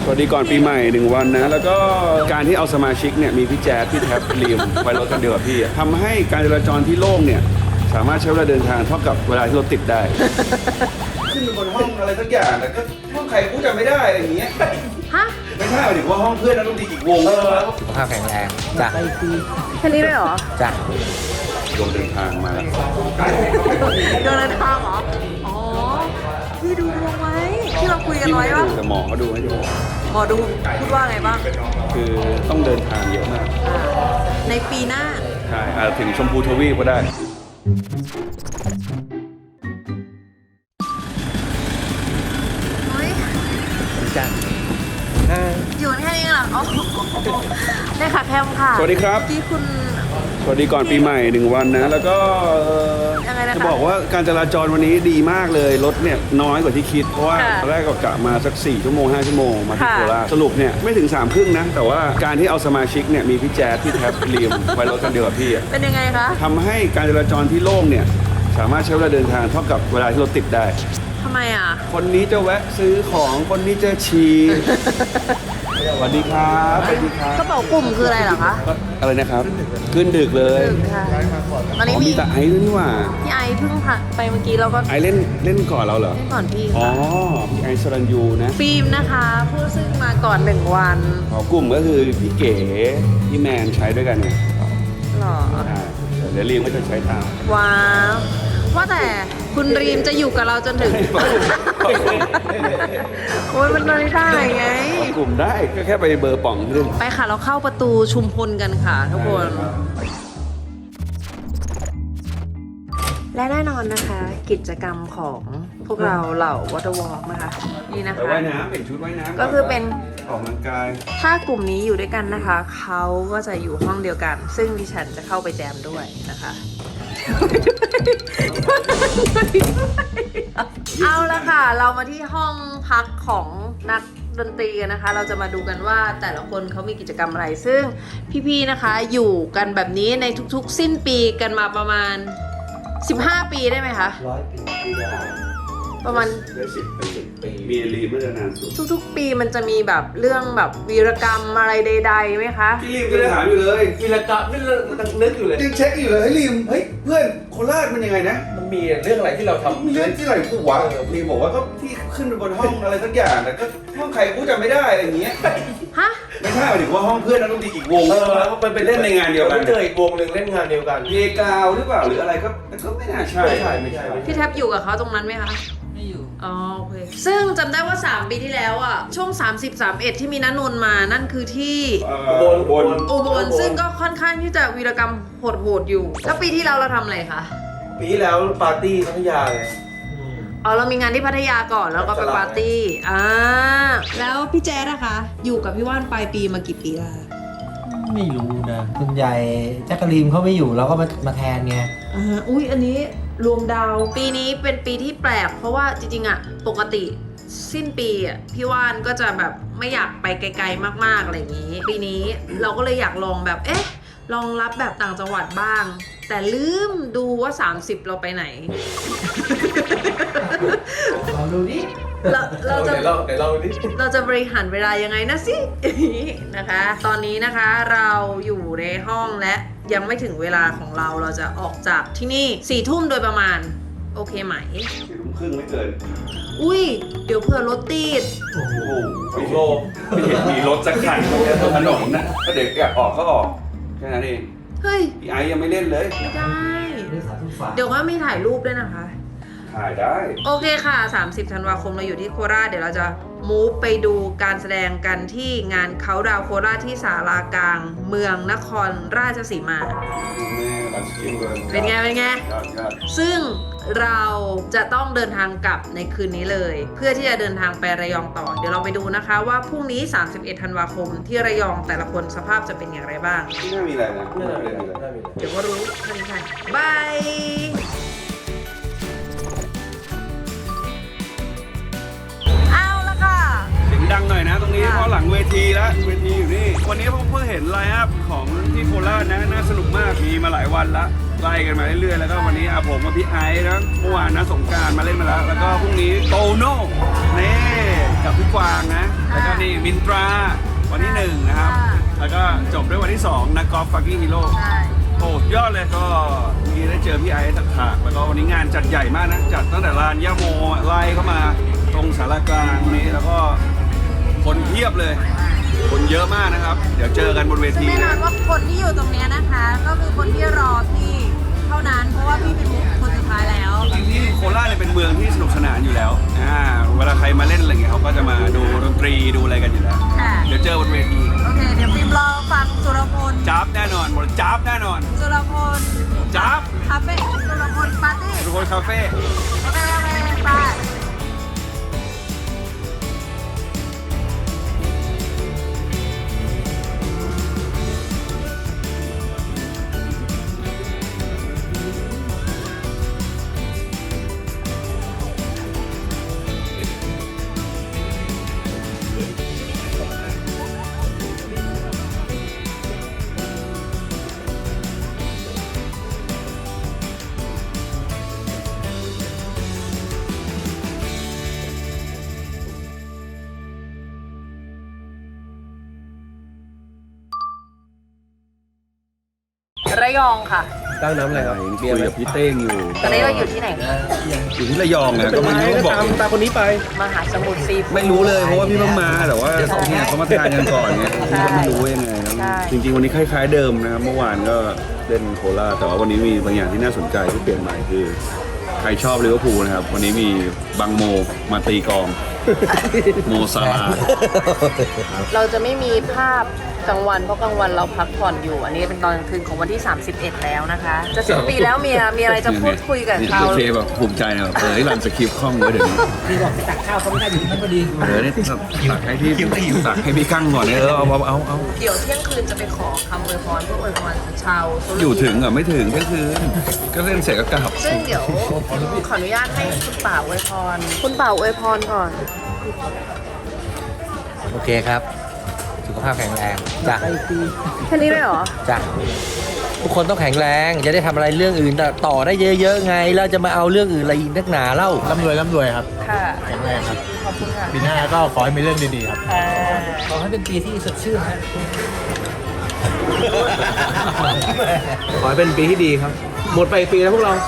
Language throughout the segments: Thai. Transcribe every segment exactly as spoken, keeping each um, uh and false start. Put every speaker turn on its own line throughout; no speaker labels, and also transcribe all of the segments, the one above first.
สวัสดีก่อนปีใหม่หนึ่งวันนะแล้วก็การที่เอาสมาชิกเนี่ยมีพี่แจ๊ดพี่แท็บลีมไปรถกันเดียวกับพี่ทำให้การจราจรที่โล่งเนี่ยสามารถใช้เวลาเดินทางเท่ากับเวลาที่รถติดได้ ขึ้นบนห้องอะไรสักอย่างแต่ก็ห้องใครกูจำไม่ได้อะไรอย่างเงี้ย
ฮะ
ไม่ใช่หมายถึงว่าห้องเพื่อนนักดนตรีอีกวง
สุขภาพแข็งแรงจ้ะ
แค่นี้เลยเหรอ
จ้ะ
ลงเดินทางมาแล้ว
เดินทางเหรอ อ๋อ พี่ดูดวงไว้ ที่เราคุยกันไว้ว่า
แต่หมอเขาดูให้ดู
หมอดูพูดว่าไงบ้าง
คือต้องเดินทางเยอะมาก
อ่าในปีหน้า
ใช่อาจถึงชมพูทวีปก็ได้
เฮ้ย
จ้ะ
อยู่กันแค่นี้เหรออ๋อได้ค่ะแคมค่ะ
สวัสดีครับ
ที่คุณ
สวัสดีก่อนปีใหม่หนึ่งวันนะแล้วก็เอ่อ
ยังไงนะคะ
จะบอกว่าการจราจรวันนี้ดีมากเลยรถเนี่ยน้อยกว่าที่คิดเพราะว่า
ค่ะ
ตอนแรกก็กะมาสักสี่ชั่วโมงห้าชั่วโมงมาที่
ค่ะ
โคราชสรุปเนี่ยไม่ถึงสามครึ่งนะแต่ว่าการที่เอาสมาชิกเนี่ยมีพี่แจ๊ดพี่แท็บลีมไปรถกันเดียวกับพี่อะ
เป็นยังไงคะ
ทำให้การจราจรที่โล่งเนี่ยสามารถใช้เวลาเดินทางเท่ากับเวลาที่รถติดได้
ทำไมอ่ะ
คนนี้จะแวะซื้อของคนนี้จะฉี่ สวัสดีครับสวัสดีครับ
กระเป๋ากลุ่มคืออะไรเหรอคะ
ก็อะไรนะครับ ขึ้นดึกเลย
ดึกค่ะตอน
อ๋
นี้
อ
มี
มีแต่ไอซ์ด้วยนี่หว่า
พี่ไอเพิ่งผ่านไปเมื่อกี้เราก็
ไอซ์เล่นเล่นก่อนเราเหรอ
เล่นก่อนพี่
อ๋อ
ค่ะ
พี่ไอซ์สรัญยูนะ
ฟิล์มนะคะผู้ซึ่งมาก่อนหนึ่งวัน
อ๋อกลุ่มก็คือพี่เก๋พี่แมนใช้ด้วยกันเนี่ย
หรอ
อ่าเดี๋ยวเรียงก็จะใช้ตาม
ว้าวว่าแต่คุณรีมจะอยู่กับเราจนถึง โอ้ยมันไม่ได้ไง
กลุ่มได้ก็แค่ไปเบอร์ป่องขึ้น
ไปค่ะเราเข้าประตูชุมพลกันค่ะทุกคน และแน่นอนนะคะ กิจกรรมของพวกเราเหล่าวอเตอร์วอล์กนะคะ นี่นะ
ไป
คะ
ว่ายน้ำเป็นชุดว่ายน้ำ
ก็คือเป็น
ออกกำลังกาย
ถ้ากลุ่มนี้อยู่ด้วยกันนะคะ เขาก็จะอยู่ห้องเดียวกัน ซึ่งดิฉันจะเข้าไปแจมด้วยนะคะ เอาละค่ะ เรามาที่ห้องพักของนักดนตรีกันนะคะ เราจะมาดูกันว่าแต่ละคนเขามีกิจกรรมอะไร ซึ่งพี่ๆนะคะอยู่กันแบบนี้ในทุกๆ สิ้นปีกันมาประมาณสิบห้าปีได้ไหมคะ
ร้อยปี
ประมาณ
ได้สิบเป็นสิบปีมีรีมเมื่อนานสุด
ทุกๆ ปีมันจะมีแบบเรื่องแบบวีรกรรมอะไรใดๆไหมคะ
พี่รีมก็เลยถามอยู่เลย
วีรกรรมนี่เรานึกอยู่เลย
ยังเช็คอยู่เลยเฮ้ยรีมเฮ้ยเพื่อนโคราชมันยังไงนะ
มันมีเรื่องอะไรที่เราทำ
มีเรื่องที่ไหนกูวะรีมบอกว่าก็ที่ขึ้นไปบนห้องอะไรสักอย่างแต่ก็ห้องใครกูจำไม่ได้อะไรอย่างเงี้ย
ฮะ
ไม่ใช่หมายถึงว่าห้องเพื่อนนักดนตรีอีกวง
เออ
แล้วมันไปเล่นในงานเดียวกัน
เจออีกวงหนึ่งเล่นงานเดียวกัน
เพกาวหรือเปล่าหรืออะไรก็ก็ไม่น่าใช่
ไม่ใช่ไม่ใช่ไม่ใช่
พี่แท็บอยู่กับเขาตรงนั้นไหมคะ
ไม่อยู่
อ๋อโอเค ซึ่งจำได้ว่า สาม ปีที่แล้วอ่ะ ช่วง สามสิบ สามสิบเอ็ด ที่มีนันนนท์มา นั่นคือที่
บนบน
อุบลซึ่งก็ค่อนข้างที่จะวีรกรรมโหดๆอยู่ แล้วปีที่แล้วเราทำอะไรคะ
ปีที่แล้วปาร์ตี้พัทยาไง
อ๋อ เรามีงานที่พัทยาก่อนแล้วก็ไปปาร์ตี้ อ่า แล้วพี่แจ๊ดนะคะ อยู่กับพี่ว่านปลายปีมากี่ปีแล้วคะ
ไม่รู้นะ
ส่วนใหญ่แจ็คกะลีนเขาไม่อยู่เราก็มามาแทนไง
อ่า อุ้ยอันนี้รวมดาว ปีนี้เป็นปีที่แปลก เพราะว่าจริงๆอะปกติสิ้นปีอะพี่ว่านก็จะแบบไม่อยากไปไกลๆมากๆอะไรอย่างนี้ ปีนี้เราก็เลยอยากลองแบบ เอ๊ะ ลองรับแบบต่างจังหวัดบ้าง แต่ลืมดูว่า สามสิบ เราไปไหน
เราดูดิ
เราเราจะ
เดี๋ยวเราเดี๋ยวเราดิ
เราจะบริหารเวลายังไงนะสิ นะคะ ตอนนี้นะคะเราอยู่ในห้องและยังไม่ถึงเวลาของเรา เราจะออกจากที่นี่สี่ทุ่มโดยประมาณ โอเคไหม
สี่ทุ่มครึ่งไม่เกิน
อุ้ย เดี๋ยวเผื่อรถติด
โอ้โห
โล
ไม่เห็นมีรถสักคันบนถนนนะก็เด็กอยากออกก็ออกแค่นั้นเอง
เฮ้ย
พี่ไอซ์ยังไม่เล่นเลย
ไม่ได้
ด้วยสาธุฝา
เดี๋ยวก็มีถ่ายรูปด้วยนะคะ
ถ่ายได้
โอเคค่ะ สามสิบ ธันวาคมเราอยู่ที่โคราช เดี๋ยวเราจะมูฟไปดูการแสดงกันที่งานเขาดาวโคราชที่ศาลากลาง เมืองนครราชสีมา
แม่รักกินเลย
เป็นไง เป็นไง
ยอดยอด
ซึ่งเราจะต้องเดินทางกลับในคืนนี้เลย เพื่อที่จะเดินทางไประยองต่อ เดี๋ยวเราไปดูนะคะว่าพรุ่งนี้ สามสิบเอ็ด ธันวาคมที่ระยองแต่ละคนสภาพจะเป็นอย่างไรบ้าง
ไม่น่ามีอะไรนะไม่
น่า
น่า
จะ
มี
มี
อะไร
น่ามี
เดี๋ยวก็รู้แค่นี้ค่ะบาย เอาละค่ะ
สิ่งดังหน่อยนะตรงนี้เพราะหลังเวทีแล้วเวทีอยู่นี่วันนี้ผมเพิ่งเห็นไลน์อัพของที่โคราชนะน่าสนุกมากมีมาหลายวันละไล่กันมาเรื่อยๆแล้วก็วันนี้อาผมกับพี่ไอซ์นะเมื่อวานนะสงกรานต์มาเล่นมาแล้วแล้วก็พรุ่งนี้โตโน่นี่กับพี่กวางนะแล้วก็นี่มินตราวันที่หนึ่งนะครับแล้วก็จบด้วยวันที่สองนักกอล์ฟฟักกิ้งฮีโร่โอ้ยอดเลยก็มีได้เจอพี่ไอซ์ถักถากแล้วก็วันนี้งานจัดใหญ่มากนะจัดตั้งแต่ลานย่าโมไล่เข้ามาตรงสารกลางนี้แล้วก็คนเพียบเลยคนเยอะมากนะครับเดี๋ยวเจอกันบนเวที
แน่นอนว่าคนที่อยู่ตรงนี้นะคะ ก็คือคนที่รอพี่เท่านั้นเพราะว่าพี่เป็นคนสุดท้ายแล้ว
จริงๆที่โคราชเนี่ยเป็นเมืองที่สนุกสนานอยู่แล้วอ่าเวลาใครมาเล่นอะไรเงี้ยเขาก็จะมาดูดนตรีดูอะไรกันอยู่แล้ว
ค่ะ
เดี๋ยวเจอบนเวที
โอเคเดี๋ยวพิมรอฟังสุรพล
จ๊าบแน่นอนหมดจ๊าบแน่นอน
สุรพล
จ๊าบ
คาเฟ่สุรพลปาร์ตี้
ทุกคนคาเฟ่
โอเคโอเคไป ระยองค่ะ
ตั้งน้ำอะไรครับ
คุยกับพี่เต้งอยู่
ตอนนี้เราอยู่ที่ไหน
อยู่ที่ระยองนะก็ไม่รู้บอก
ตามตามคนนี้ไป
มหาสมุทรซีฟู้ด
ไม่รู้เลยเพราะว่าพี่เพิ่งมาแต่ว่าเนี่ยเขามาทานกันก่อนเนี่ยพี่ก็ไม่รู้ว่ายังไงนะ
ใช่
จริงๆวันนี้คล้ายๆเดิมนะครับเมื่อวานก็เล่นโคราชแต่ว่าวันนี้มีบางอย่างที่น่าสนใจที่เปลี่ยนใหม่คือใครชอบลิเวอร์พูลนะครับวันนี้มีบังโมมาตีกลองโมซาลาห์
เราจะไม่มีภาพกลางวันเพราะกลางวันเราพักผ่อนอยู่ อันนี้เป็นตอนกลางคืนของวันที่ สามสิบเอ็ด แล้วนะคะ จะสิบปีแล้วเมียมีอะไรจะพูดคุยกับเขา
โอเคแบบภูมิใจนะเออที่รันสคริปต์คล่องไว้เดี๋ยวนี้
พี่บอกไปตักข้าวเขาไม่ได้อยู่ที่นั่นพอดี
เออเนี่ยตักให้พี่ตักให้พี่กั้งก่อนเนี่ยเออเอาเอาเอาเอา
เดี๋ยวเที่ยงคืนจะไปขอคำอวยพรเพื่ออวยพรชาวตุรกี
อยู่ถึงอ่ะไม่ถึงก็คือก็เล่นเสร็จก็กลับ
ซึ่งเดี๋ยวขออนุญาตให้คุณป่าอวยพร คุณป่าอวยพรก่อน
โอเคครับ สุขภาพแข็งแรงจ้ะ
แค่นี้เลยเหรอ
จ้ะทุกคนต้องแข็งแรงจะได้ทำอะไรเรื่องอื่นต่อได้เยอะๆไงแล้วจะมาเอาเรื่องอื่นอะไรอีกนักหนาเล่า
ร่ำรวยร่ำรวยครับ
ค่ะ
แข็งแรงครับ
ขอบคุณค่ะ
ปีหน้าก็ขอให้มีเรื่องดีๆครับ
อ่า
ขอให้เป็นปีที่สดชื่นฮะ
ขอให้เป็นปีที่ดีครับ หมดไปปีแล้วพวกเรา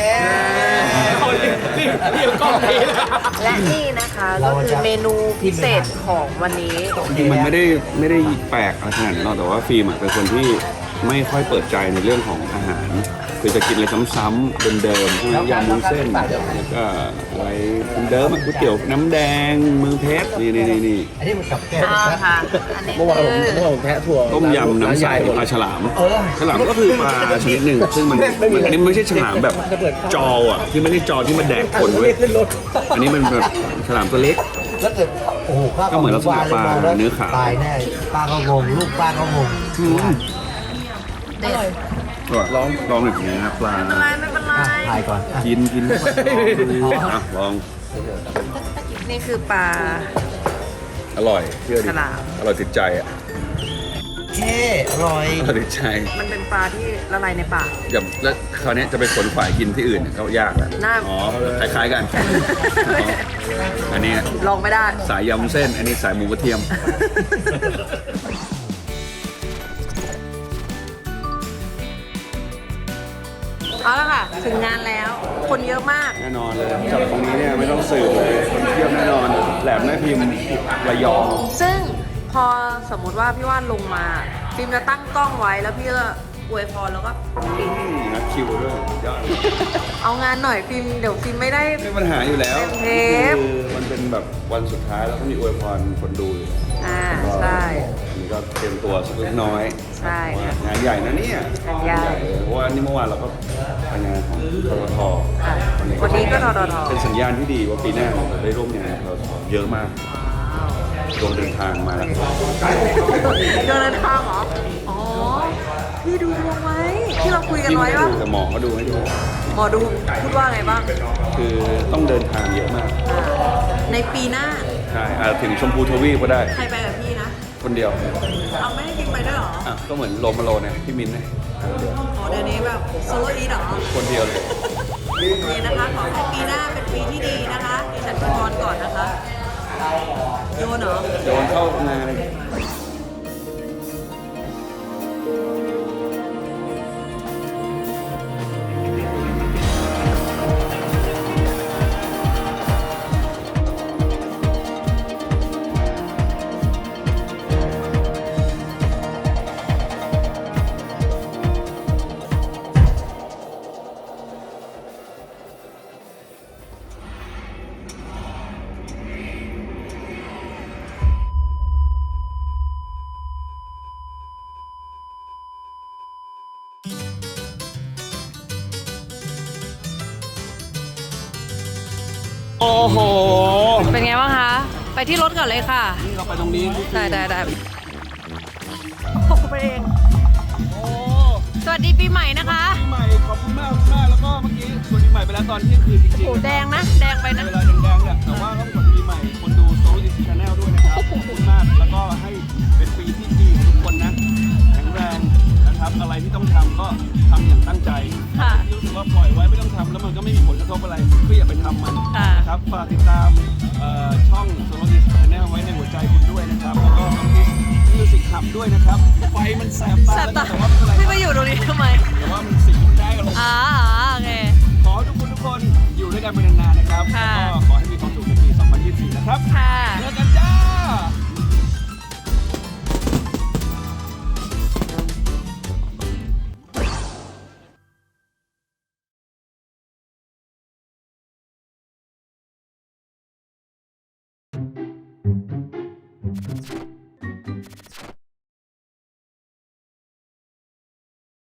และนี่นะคะก็คือเมนูพิเศษของวันนี้
จริงๆมันไม่ได้ไม่ได้แปลกอะไรขนาดนั้นหรอกแต่ว่าฟิล์มอะเป็นคนที่ไม่ค่อยเปิดใจในเรื่องของอาหารคือจะกินอะไรซ้ำๆเดิมๆพวกยำวุ้นเส้นแล้วก็อะไรเดิมๆอะก๋วยเตี๋ยวน้ำแดงมือเพชรนี่นี่นี่นี่
อันนี้มันกับแก้ว
อ่าค่ะ อันนี้
เมื่อวานผม
คือ
เมื่อวานผมแทะถั่ว
ต้มยำน้ำใสปลาฉลาม
เออ
ฉลามก็คือปลาชนิดหนึ่งซึ่งมันมันอันนี้ไม่ใช่ฉลามแบบจออ่ะที่ไม่ใช่จอที่มันแดกคนเว้ยอันนี้มันแบบฉลามตัวเล็ก
แล้วเกิดโอ้โหข้าว
ก็เหมือนลักษณะปลาเนื้อขาว
ตายแน่ป้าก็งงลูกป้าก็งง
อืม
เด็ด
ลองลองหน่อยอย่างเงี้ยนะปลา
ไม่เป็นไรไม่เป็นไร
อ่ะถ่ายก่อนอ่ะ
กินกินอ่ะลอง
นี่คือปลา
อร่อยเชื่อดิ
ฉลาม
อร่อยติดใจอ่ะ
เท่อร่อย
อร่อยติดใจ
มันเป็นปลาที่ละลายในปาก
อย่าแล้วคราวนี้จะไปขนขวายกินที่อื่นเนี่ยก็ยากอ่ะ
น่า
อ๋อคล้ายๆกันอ๋ออันนี้
ลองไม่ได้
สายยำเส้น อันนี้สายหมูกระเทียม
เอาละค่ะ ถึงงานแล้ว คนเยอะมาก
แน่นอนเลยจับตรงนี้เนี่ยไม่ต้องสืบเลยคนเทียบแน่นอน แหลมแม่พิมพ์ระยอง
ซึ่งพอสมมุติว่าพี่ว่านลงมา ฟิล์มจะตั้งกล้องไว้แล้วพี่ก็อวยพรแล้วก็ปิด
นัดคิวด้วยยอด
เอางานหน่อยฟิล์มเดี๋ยวฟิล์มไม่ได้
ไม่มีปัญหาอยู่แล้ว
เต็มเทป
คือมันเป็นแบบวันสุดท้ายแล้วก็มีอวยพรคนดูอยู่
อ่าใช่
อันนี้ก็เตรียมตัวสักเล็กน้อย
ใช่ค่ะ
งานใหญ่นะเนี่ย
งานใหญ่
เลยเพราะว่านี่เมื่อวานเราก็ไปงานของททท
ค่ะวันนี้ก็ททท
เป็นสัญญาณที่ดีว่าปีหน้าเราจะได้ร่วมงานกับทททเยอะมากดวงเดินทางมาแล้ว
เดินทางเหรอ อ๋อ พี่ดูดวงไว้ ที่เราคุยกัน
ที่
ไว้
ไม่ได้
ว่า
ดูแต่หมอก็ดูให้ดู
หมอดูพูดว่าไงบ้าง
คือต้องเดินทางเยอะมาก
อ่าในปีหน้า
ใช่อาจถึงชมพูทวีปก็ได้
ใครไปกับพี่นะ
คนเดียว
เอาไม่ให้พิงไปด้วยเหรอ
อ่ะก็เหมือนโลมาโลเนี่ยพี่มินเนี่ย
อ๋อเดี๋ยวนี้แบบโซโล่อีทเหรอ
คนเดียวเลย
โอเคนะคะขอให้ปีหน้าเป็นปีที่ดีนะคะดิฉันเป็นบอลก่อนนะคะโยนเหรอ
โยนเข้างานเลย โอ้โห
เป็นไงบ้างคะ ไปที่รถก่อนเลยค่ะ
นี่เราไปตรงนี้
ได้ได้ได้โอ้ไปเองสวัสดีปีใหม่นะคะ
ปีใหม่ขอบคุณมากมากแล้วก็เมื่อกี้สวัสดีใหม่ไปแล้วตอนเที่ยงคืนจริง
โอ้
ๆ
แดงนะ แดงไปนะ
เวลาแดงๆเนี่ยแต่ว่าก็สวัสดีปีใหม่คนดูโซลิชาแนลด้วยนะครับขอบคุณมากแล้วก็ให้เป็นปีที่ดีของทุกคนนะแข็งแรงนะครับอะไรที่ต้องทำก็ทำอย่างตั้งใจ
ค่ะ
ที่รู้สึกว่าปล่อยไว้ไม่ต้องทำแล้วมันก็ไม่มีผลกระทบอะไรก็อย่าไปทำมัน
ค่ะ
นะครับฝากติดตามเอ่อช่องโซลิชาแนลไว้ในหัวใจคุณด้วยนะครับแล้วก็น้องพิสมิวสิกขับด้วยนะครับไฟมันแสบตา
แสบตา
แต่ว่าไม่เป็นไร
พี่มาอยู่ตรงนี้ทำไม
แต่ว่ามันสีได้กันลง
อ่าโอเค
ขอให้ทุกคนทุกคนอยู่ด้วยกันเป็นนานๆนะครับ
ค่ะ
แล้วก็ขอให้มีความสุขในปี สองพันยี่สิบสี่ นะครับ
ค่ะ
เจอกันจ้า